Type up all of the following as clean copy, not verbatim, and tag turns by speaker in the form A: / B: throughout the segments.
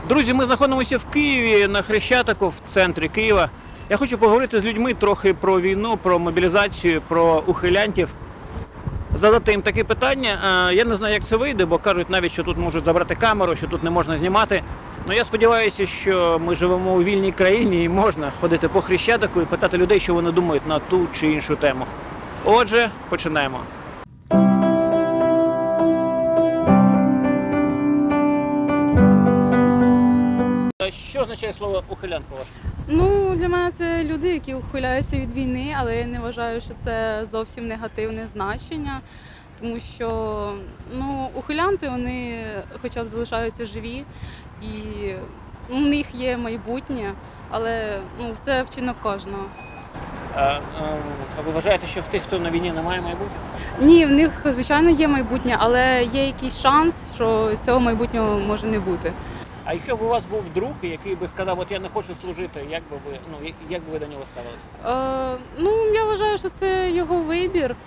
A: Друзі, ми знаходимося в Києві на Хрещатику, в центрі Києва. Я хочу поговорити з людьми трохи про війну, про мобілізацію, про ухилянтів. Задати їм таке питання. Я не знаю, як це вийде, бо кажуть навіть, що тут можуть забрати камеру, що тут не можна знімати. Але я сподіваюся, що ми живемо у вільній країні і можна ходити по Хрещатику і питати людей, що вони думають на ту чи іншу тему. Отже, починаємо. Що означає слово ухилян, по-вашому?
B: Ну, для мене це люди, які ухиляються від війни, але я не вважаю, що це зовсім негативне значення, тому що ухилянти, вони хоча б залишаються живі і у них є майбутнє, але це вчинок кожного.
A: А ви вважаєте, що в тих, хто на війні, немає майбутнього?
B: Ні, в них, звичайно, є майбутнє, але є якийсь шанс, що цього майбутнього може не бути.
A: А якщо б у вас був друг, який би сказав, от я не хочу служити, як би ви до нього ставилися?
B: Я вважаю, що це його вибір.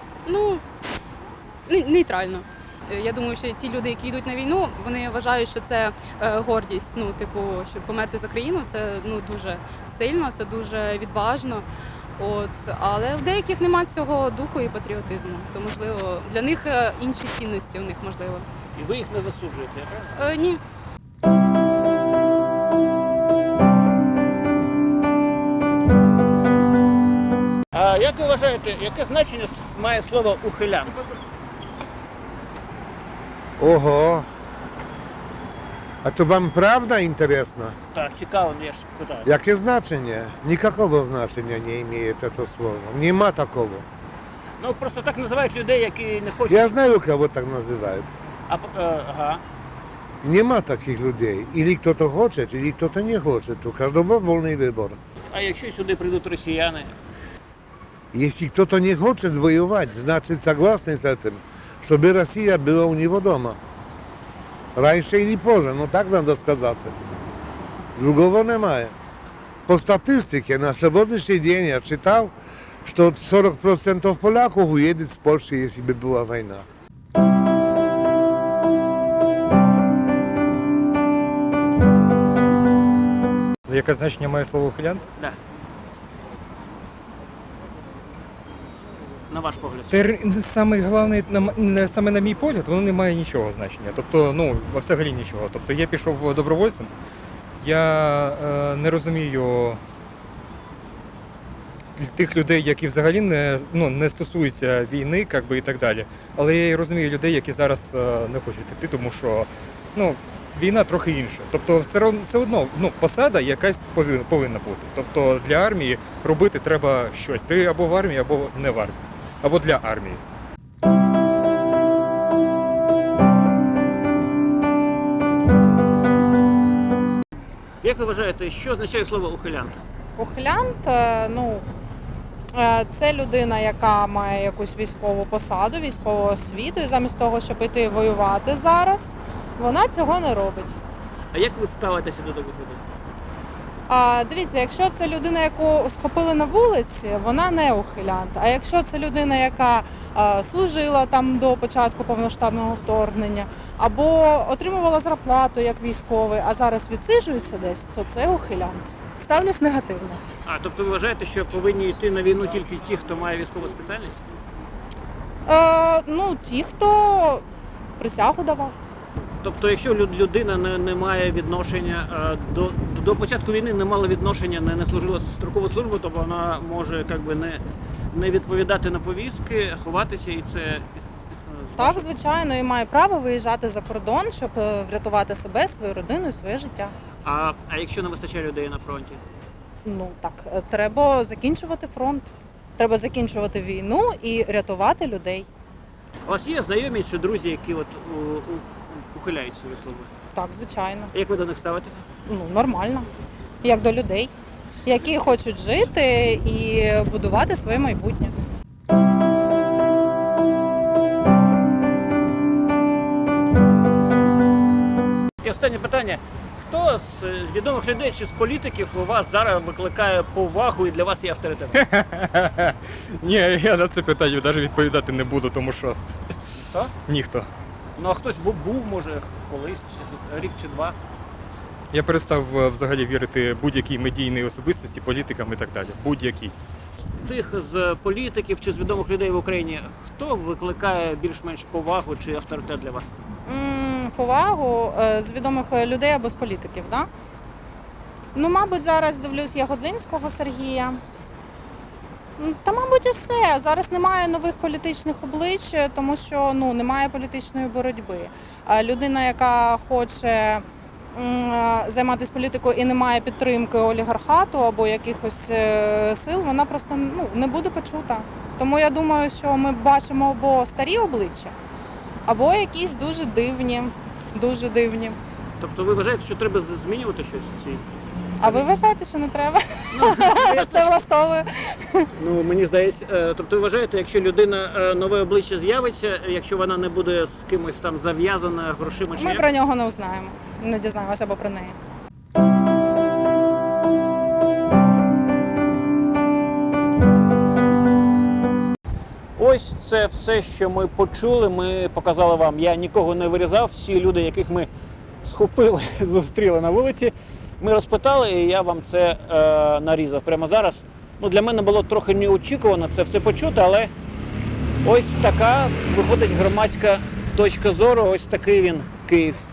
B: Нейтрально. Я думаю, що ті люди, які йдуть на війну, вони вважають, що це гордість. Щоб померти за країну, це дуже сильно, це дуже відважно. Але в деяких немає цього духу і патріотизму. То, можливо, для них інші цінності у них можливо.
A: І ви їх не засуджуєте, правда?
B: Ні.
A: А як ви вважаєте, яке значення має слово ухилян?
C: Ого. А то вам правда интересно?
A: Так, цікаво, я ж питаю.
C: Яке значення? Никакого значения не имеет это слово. Нема такого.
A: Просто так називають людей, які не хочуть.
C: Я знаю, кого так называют.
A: Ага.
C: Нема таких людей. Или кто-то хочет, или кто-то не хочет. У каждого вольный выбор.
A: А якщо сюди прийдуть росіяни?
C: Если кто-то не хочет воевать, значит согласны с этим, чтобы Россия была у него дома. Раньше или позже, но так надо сказать. Другого немає. По статистике на сегодняшний день я читал, что 40% поляков уедет с Польши, если бы была война.
D: Яке значення має слово ухилянт?
A: Да. На ваш погляд.
D: Саме головне, саме на мій погляд, воно не має нічого значення. Тобто, взагалі нічого. Тобто я пішов добровольцем, я не розумію тих людей, які взагалі не стосуються війни, і так далі. Але я і розумію людей, які зараз не хочуть йти, тому що війна трохи інша. Тобто все одно посада якась повинна бути. Тобто для армії робити треба щось. Ти або в армії, або не в армії. Або для армії.
A: Як ви вважаєте, що означає слово ухилянт?
E: Ухилянт, це людина, яка має якусь військову посаду, військову освіту, і замість того, щоб йти воювати зараз, вона цього не робить.
A: А як ви ставитеся до таких людей?
E: Дивіться, якщо це людина, яку схопили на вулиці, вона не ухилянт. А якщо це людина, яка служила там до початку повноштабного вторгнення, або отримувала зарплату як військовий, а зараз відсиджується десь, то це ухилянт. Ставлюсь негативно.
A: Тобто ви вважаєте, що повинні йти на війну тільки ті, хто має військову спеціальність?
E: Ті, хто присягу давав.
A: Тобто, якщо людина не має відношення до початку війни, не мала відношення, не служила строкову службу, то вона може не відповідати на повістки, ховатися і це.
E: Так, звичайно, і має право виїжджати за кордон, щоб врятувати себе, свою родину і своє життя.
A: А якщо не вистачає людей на фронті?
E: Треба закінчувати фронт. Треба закінчувати війну і рятувати людей.
A: У вас є знайомі чи друзі, які ухиляються від служби?
E: Так, звичайно.
A: Як ви до них ставитеся?
E: Нормально. Як до людей, які хочуть жити і будувати своє майбутнє.
A: І останнє питання. Хто з відомих людей чи з політиків у вас зараз викликає повагу і для вас є авторитетом?
D: Ні, я на це питання навіть відповідати не буду, тому що
A: Хто?
D: ніхто.
A: Ну а хтось був, може, колись, рік чи два.
D: Я перестав взагалі вірити будь-якій медійній особистості, політикам і так далі. Будь-якій.
A: Тих з політиків чи з відомих людей в Україні, хто викликає більш-менш повагу чи авторитет для вас?
E: Повагу з відомих людей або з політиків, так? Да? Ну, мабуть, зараз дивлюсь Ягодзинського Сергія. Та, мабуть, і все. Зараз немає нових політичних облич, тому що немає політичної боротьби. Людина, яка хоче займатися політикою і не має підтримки олігархату або якихось сил, вона просто не буде почута. Тому я думаю, що ми бачимо або старі обличчя, або якісь дуже дивні, дуже дивні.
A: Тобто ви вважаєте, що треба змінювати щось в цій?
E: А ви вважаєте, що не треба?
A: Ну,
E: Це влаштовує.
A: Ну, мені здається, тобто ви вважаєте, якщо людина нове обличчя з'явиться, якщо вона не буде з кимось там зав'язана грошима чи
E: Ми
A: як?
E: про нього не узнаємо, не дізнаємося або про неї.
A: Ось це все, що ми почули. Ми показали вам. Я нікого не вирізав. Всі люди, яких ми схопили, зустріли на вулиці, ми розпитали, і я вам це нарізав прямо зараз. Ну, для мене було трохи неочікувано це все почути, але ось така виходить громадська точка зору. Ось такий він Київ.